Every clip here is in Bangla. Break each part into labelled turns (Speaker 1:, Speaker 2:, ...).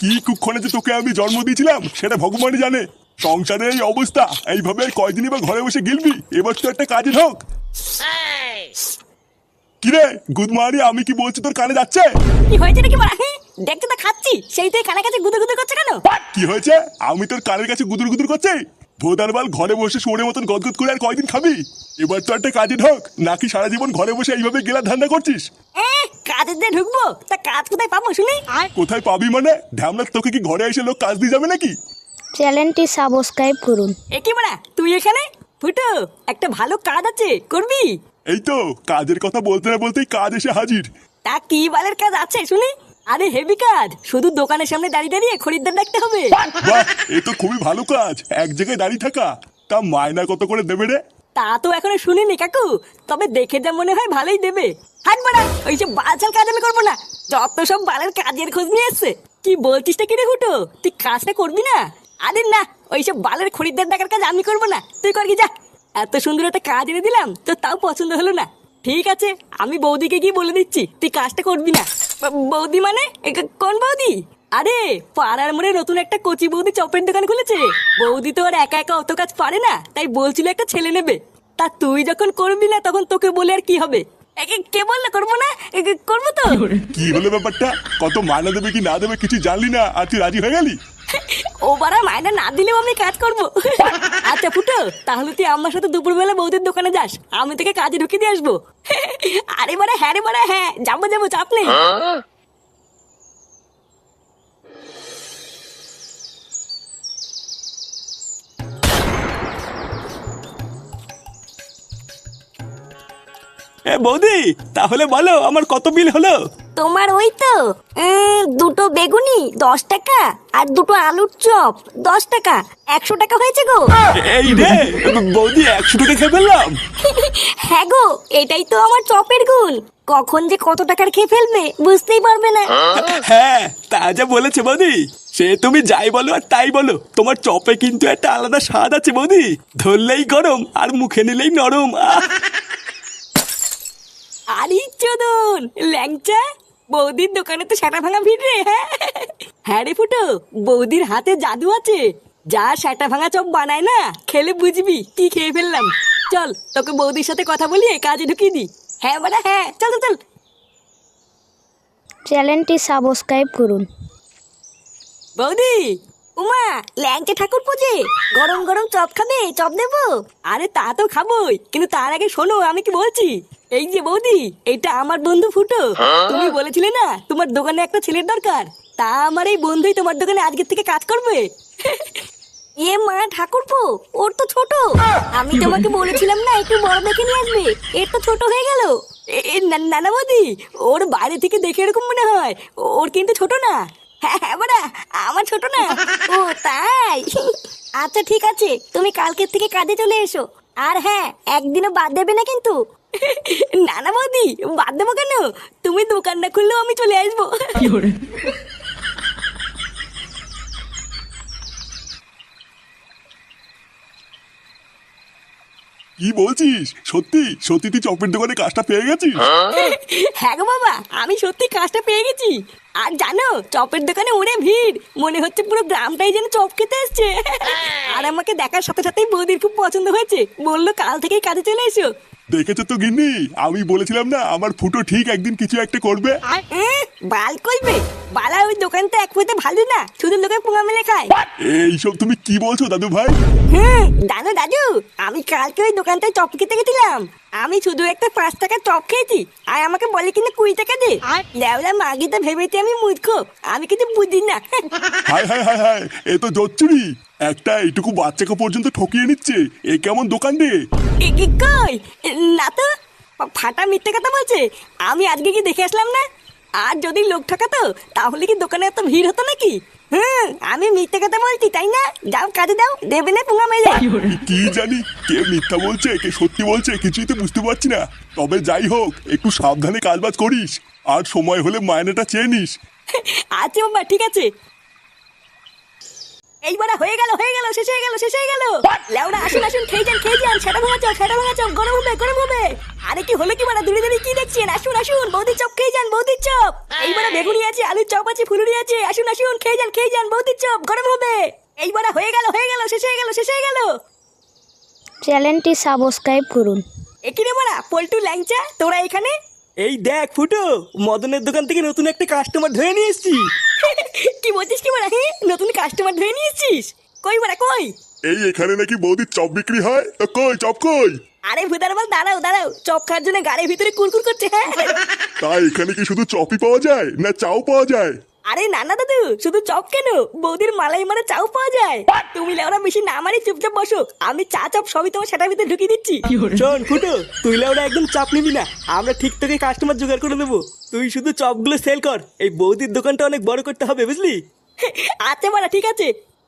Speaker 1: কি কুক্ষণে যে তোকে আমি জন্ম দিয়েছিলাম সেটা ভগবানই জানে। সংসারে এই অবস্থা, এইভাবে কয়দিনই বা ঘরে বসে গিলবি? এবার তো একটা কাজে ঢোক। কিরে গুদমারি, আমি কি বলছি তোর কানে যাচ্ছে?
Speaker 2: কি হয়েছে নাকি বড়া? দেখতে তো খাচ্ছি, সেই তুই কানে কাছে গুদুর গুদুর করছে কেন?
Speaker 1: কি হয়েছে? আমি তোর কানের কাছে গুদুর গুদুর করছি? ভোদারবাল, ঘরে বসে শুয়োরের মতন গদগদ করে আর কয়দিন খাবি? এবার তো একটা কাজে ঢোক, নাকি সারা জীবন ঘরে বসে এইভাবে গেলা ধান্দা করছিস?
Speaker 2: কাজের দিয়ে ঢুকবো, তা কাজ কোথায় পাবো শুনি?
Speaker 1: কোথায় পাবি মানে? ঢ্যামলা, তোকে কি ঘরে এসে লোক কাজ দিয়ে যাবে নাকি?
Speaker 3: চ্যানেলটি সাবস্ক্রাইব করুন।
Speaker 2: এ কি বড়া, তুই এখানে? ফুটো, একটা ভালো কাজ আছে, করবি?
Speaker 1: এই তো কাজের কথা বলতে না বলতেই কাজ এসে হাজির।
Speaker 2: তা কি বালের কাজ আছে শুনি? আরে হেভি কাজ, শুধু দোকানের সামনে দাঁড়িয়ে দাঁড়িয়ে খরিদ্দার ডাকতে হবে।
Speaker 1: বাহ, এ তো খুবই ভালো কাজ, এক জায়গায় দাঁড়িয়ে থাকা। তা মায়না কত করে দেবে রে?
Speaker 2: তা তো এখনো শুনিনি কাকু, তবে দেখে যা মনে হয় ভালোই দেবে। হাট বাড়া, ওইসব বালছাল কাজ আমি করবো না। যত সব বালের কাজের খোঁজ নিয়ে এসছে। কি বলছিস কি রে হুটো, তুই কাজটা করবি না? আরে না, ওইসব বালের খরিদ্দার ডাকার কাজ আমি করবো না, তুই কর কি যা। এত সুন্দর একটা কাজ এনে দিলাম তো তাও পছন্দ হলো না। ঠিক আছে, আমি বৌদিকে গিয়ে বলে দিচ্ছি তুই কাজটা করবি না। বৌদি মানে কোন বৌদি? আরে পাড়ার মোড়ে নতুন একটা কচি বৌদি চপের দোকান খুলেছে। বৌদি তো আর একা একা অত কাজ পারে না, তাই বলছিল একটা ছেলে নেবে। তা তুই যখন করবি না তখন তোকে বলে আর কি হবে? কে বললো করবো না? করবো তো।
Speaker 1: কি হলো ব্যাপারটা? কত মায়না দেবে কি না দেবে কিছু জানলি না, আর তুই রাজি হয়ে গেলি?
Speaker 2: ও বাড়া, মায়না না দিলেও আমি কাজ করবো। আচ্ছা ফুটো, তাহলে তুই আমার সাথে দুপুরবেলা বৌদির দোকানে যাস, আমি তোকে কাজে ঢুকিয়ে দিয়ে আসবো। আরে বাড়া হ্যাঁ রে বাড়া, হ্যাঁ যাবো যাবো, চাপ নেই।
Speaker 4: বৌদি, তাহলে বলো আমার কত বিল হলো?
Speaker 2: তোমার ওই তো দুটো বেগুনি 10 টাকা, আর দুটো আলুর চপ 10 টাকা, 100 টাকা হয়েছে গো।
Speaker 4: এই রে বৌদি, 100 টাকা খেয়ে ফেললাম।
Speaker 2: হ্যাঁ গো, এটাই তো আমার চপের গুণ। কখন যে কত টাকার খেয়ে ফেলবে বুঝতেই পারবে না।
Speaker 4: হ্যাঁ, তা যা বলেছে বৌদি, সে তুমি যাই বলো আর তাই বলো, তোমার চপে কিন্তু একটা আলাদা স্বাদ আছে বৌদি। ধরলেই গরম আর মুখে নিলেই নরম।
Speaker 2: আরে চোদন ল্যাংচা, বৌদির দোকানে তো সেটা ভাঙা ভিড় রে। হ্যাঁ রে ফুটো, বৌদির হাতে জাদু আছে। যা সেটা ভাঙা চপ বানায় না, খেলে বুঝবি কি খেয়ে ফেললাম। চল তোকে বৌদির সাথে কথা বলি, কাজে ঢুকিয়ে দি। হ্যাঁ বাড়া হ্যাঁ, চল চল চল।
Speaker 3: চ্যানেলটি সাবস্ক্রাইব করুন।
Speaker 2: বৌদি, উমা ল্যাংচা ঠাকুর পুজে, গরম গরম চপ খাবে? চপ দেবো? আরে তা তো খাবোই, কিন্তু তার আগে শোনো আমি কি বলছি। এই যে বৌদি, এটা আমার বন্ধু ফুটো। তুমি বলেছিলে না তোমার দোকানে একটা ছেলের দরকার, তা আমার এই বন্ধুই তোমার দোকানে আজকের থেকে কাজ করবে। এ মা ঠাকুরপো, ওর তো ছোট। আমি তোমাকে বলেছিলাম না একটু বড় দেখে নিয়ে আসবে, এর তো ছোট হয়ে গেল। না না বৌদি, ওর বাইরে থেকে দেখে এরকম মনে হয়, ওর কিন্তু ছোট না। হ্যাঁ হ্যাঁ বাড়া, আমার ছোট না। ও তাই? আচ্ছা ঠিক আছে, তুমি কালকের থেকে কাজে চলে এসো। আর হ্যাঁ, একদিনও বাদ দেবে না কিন্তু। না না বৌদি, বাদ দেবো কেন? তুমি দোকান না খুললেও আমি চলে আসবো।
Speaker 1: কি বলছিস? সত্যি সত্যি তুই চপের দোকানে কাজটা পেয়ে গেছিস?
Speaker 2: হ্যাঁ গো বাবা, আমি সত্যি কাজটা পেয়ে গেছি। আর জানো, চপের দোকানে ওরে ভিড়, মনে হচ্ছে পুরো গ্রামটাই যেন চপ খেতে এসছে। আর আমাকে দেখার সাথে সাথেই বৌদির খুব পছন্দ হয়েছে, বললো কাল থেকেই কাজে চলে এসো।
Speaker 1: দেখেছো তো গিন্নি, আমি বলেছিলাম না আমার ফুটো ঠিক একদিন কিছু একটা করবে।
Speaker 2: বাল কইবে? বালা ওই দোকানটা এক পয়সা ভালো না, শুধু লোকে পোঙা মেলে খায়।
Speaker 1: এইসব তুমি কি বলছো দাদু ভাই?
Speaker 2: জানো দাদু, আমি কালকে ওই দোকানটায় চপ খেতে গেছিলাম। আমি শুধু একটা 5 টাকার চপ খেয়েছি, আর আমাকে বলে কিনা 20 টাকা দে। লেওলা মাগিটা ভেবেছি আমি মূর্খ, আমি কিছু বুঝি না।
Speaker 1: হায় হায় হায় হায়, এ তো জচ্চুরি। একটা এইটুকু বাচ্চাকে পর্যন্ত ঠকিয়ে নিচ্ছে, এ কেমন দোকান রে?
Speaker 2: কই না তো, ফাটা মিথ্যে কথা বলছে। আমি আজকে কি দেখে আসলাম না? আর যদি লোক ঠকাতো তাহলে কি দোকানে এত ভিড় হতো নাকি? আমি মিথ্যে কথা বলছি তাই না? যাও কাজে দাও, দেবে না পোঙা মেলে।
Speaker 1: কি জানি কে মিথ্যা বলছে কে সত্যি বলছে, কিছুই তো বুঝতে পারছি না। তবে যাই হোক, একটু সাবধানে কাজবাজ করিস, আর সময় হলে মায়নাটা চেয়ে নিস।
Speaker 2: আচ্ছা বাবা, ঠিক আছে। এইবারে হয়ে গেল শেষ হয়ে গেল লেওড়া আসুন খেয়ে যান সেটা ভাঙা চপ গরম হবে আরে কি হলো কি বাড়া দূরে কি দেখছেন আসুন বৌদির চপ খেয়ে যান বৌদির চপ এইবারে বেগুনি আছে আলুর চপ আছে ফুলুরি আছে আসুন খেয়ে যান বৌদির চপ গরম হবে এইবারে হয়ে গেল শেষ হয়ে গেল
Speaker 3: চ্যানেলটি সাবস্ক্রাইব করুন।
Speaker 2: একিরে বাড়া পল্টু ল্যাংচা তোরা এখানে
Speaker 4: এই দেখ ফুটো, মদনের দোকান থেকে নতুন একটা কাস্টমার ধরে নিয়ে এসেছি।
Speaker 2: কি বলছিস কি বাড়া নতুন কাস্টমার ধরে নিয়েছিস কই বাড়া কই
Speaker 1: এই এখানে নাকি বৌদির চপ বিক্রি হয়, তো কই চপ কই?
Speaker 2: আরে ভুদার বল দাঁড়াও চপ খাওয়ার জন্য গাড়ির ভিতরে কুরকুর করছে হ্যাঁ
Speaker 1: তাই এখানে কি শুধু চপই পাওয়া যায় না চাও পাওয়া যায়?
Speaker 2: আরে না দাদু শুধু চপ কেন বৌদির মালাই মারা চাও পাওয়া যায় তুমি লেওরা বেশি না মারি চুপচাপ বসো আমি চা চপ সবই তোমার সেটার ভিতরে ঢুকিয়ে দিচ্ছি
Speaker 4: শোন ফুটো, তুই ওরা একদম চাপ নিবি না, আমরা ঠিক তোকে কাস্টমার জোগাড় করে দেবো। তুই শুধু চপগুলো সেল কর, এই বৌদির দোকানটা অনেক বড় করতে হবে বুঝলি।
Speaker 2: আচ্ছা বাড়া ঠিক আছে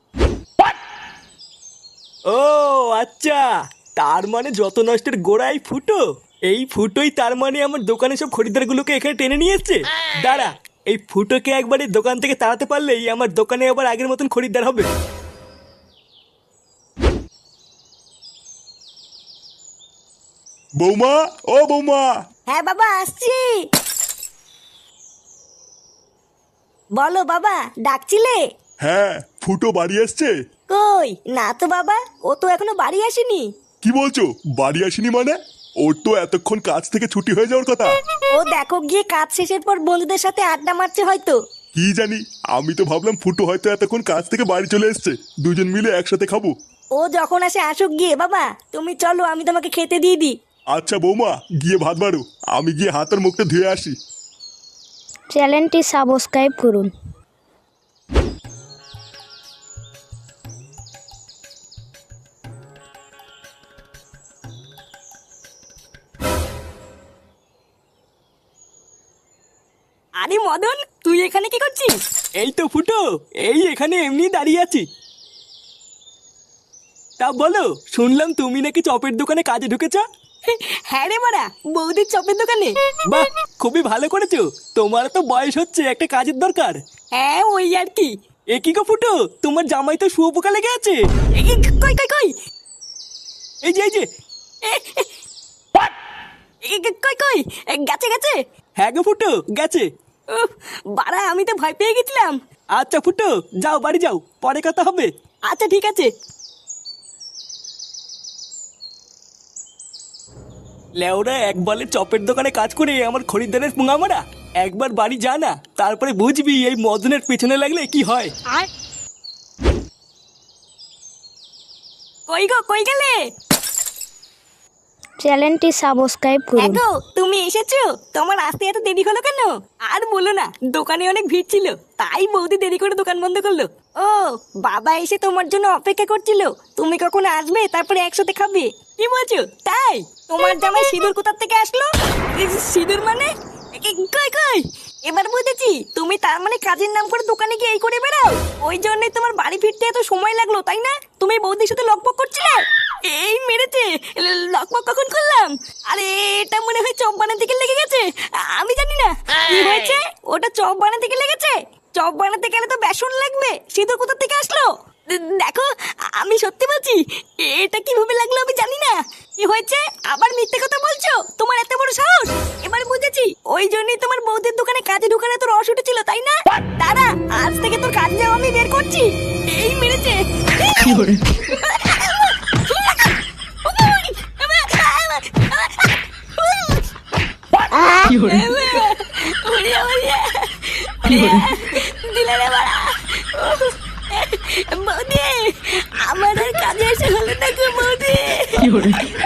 Speaker 4: ও আচ্ছা, তার মানে যত নষ্টের গোড়াই ফুটো। এই ফুটোই তার মানে আমার দোকানে সব খরিদ্দারগুলোকে এখানে টেনে নিয়ে এসছে। দাঁড়া, এই ফুটোকে একবার এই দোকান থেকে তাড়াতে পারলেই আমার দোকানে আবার আগের মতন খরিদ্দার হবে।
Speaker 1: বৌমা, ও বৌমা।
Speaker 2: হ্যাঁ বাবা আসছি বলো বাবা ডাকছিলে
Speaker 1: হ্যাঁ, ফুটো বাড়ি আসছে?
Speaker 2: কই না তো বাবা ও তো এখনো বাড়ি আসেনি
Speaker 1: কি বলছো, বাড়ি আসেনি মানে? ওর তো এতক্ষণ কাজ থেকে ছুটি হয়ে যাওয়ার কথা।
Speaker 2: ও দেখো গিয়ে কাজ শেষের পর বন্ধুদের সাথে আড্ডা মারছে হয়তো।
Speaker 1: কি জানি, আমি তো ভাবলাম ফুটো হয়তো এতক্ষণ কাজ থেকে বাড়ি চলে এসছে, দুজন মিলে একসাথে খাবো।
Speaker 2: ও যখন আসে আসুক গিয়ে বাবা তুমি চলো আমি তোমাকে খেতে দিয়ে দিই
Speaker 1: আচ্ছা বৌমা, গিয়ে ভাত বাড়ো, আমি গিয়ে হাত আর মুখটা ধুয়ে আসি।
Speaker 3: চ্যানেলটি সাবস্ক্রাইব করুন।
Speaker 2: আরে মদন তুই এখানে কি করছিস
Speaker 4: এই তো ফুটো, এই এখানে এমনি দাঁড়িয়ে আছি। তা বলো, শুনলাম তুমি নাকি চপের দোকানে কাজে ঢুকেছ?
Speaker 2: হ্যাঁ রে মারা বৌদির চপের দোকানে
Speaker 4: বাহ, খুবই ভালো করেছো। তোমার তো বয়স হচ্ছে, একটা কাজের দরকার।
Speaker 2: হ্যাঁ ওই আর কি
Speaker 4: এ কি গো ফুটো, তোমার জামাই তো শুয়োপোকা লেগে আছে।
Speaker 2: কই
Speaker 4: এই যে
Speaker 2: কই গেছে
Speaker 4: হ্যাঁ গো ফুটো, গেছে।
Speaker 2: উফ, বাড়া আমি তো ভয় পেয়ে গেছিলাম
Speaker 4: আচ্ছা ফুটো, যাও বাড়ি যাও, পরে কথা হবে।
Speaker 2: আচ্ছা ঠিক আছে
Speaker 4: লেওরা একবারে চপের দোকানে কাজ করে আমার খরিদ্দারের পুঙা মারা। একবার বাড়ি যা না, তারপরে বুঝবি এই মদনের পেছনে লাগলে কি হয়।
Speaker 2: কই গেলে
Speaker 3: চ্যানেলটি সাবস্ক্রাইব করুন।
Speaker 2: দেখো তুমি এসেছো তোমার আসতে এত দেরি হলো কেন আর বলো না দোকানে অনেক ভিড় ছিল তাই বৌদি দেরি করে দোকান বন্ধ করলো ও বাবা এসে তোমার জন্য অপেক্ষা করছিল তুমি কখন আসবে তারপরে একসাথে খাবে কি বলছো তাই তোমার জামাই সিঁদুর কোথার থেকে আসলো সিঁদুর মানে কই এবার বুঝেছি তুমি তার মানে কাজের নাম করে দোকানে গিয়ে এই করে বেড়াও ওই জন্যই তোমার বাড়ি ফিরতে এত সময় লাগলো তাই না তুমি বৌদির সাথে লকপক করছিলে এই মেরেছে লকপক কখন করলাম আরে এটা মনে হয় চপ বানাতে গিয়ে লেগে গেছে আমি জানি না কি হয়েছে ওটা চপ বানাতে গিয়ে লেগেছে চপ বানাতে গেলে তো বেসন লাগবে সিঁদুর কোথা থেকে আসলো দেখো আমি সত্যি বলছি এটা কিভাবে লাগলো আমি জানি না কি হয়েছে আবার মিথ্যে কথা বলছো তোমার এত বড় সাহস এবার বুঝেছি ওই জন্যই তোমার বৌদির দোকানে কাজে ঢুকানো তোর রস উঠেছিল তাই না দাঁড়া আজ থেকে তোর কাজ যাওয়া আমি বের করছি এই মেরেছে বৌদি আমার আর কাজে এসে হলো না গো বৌদি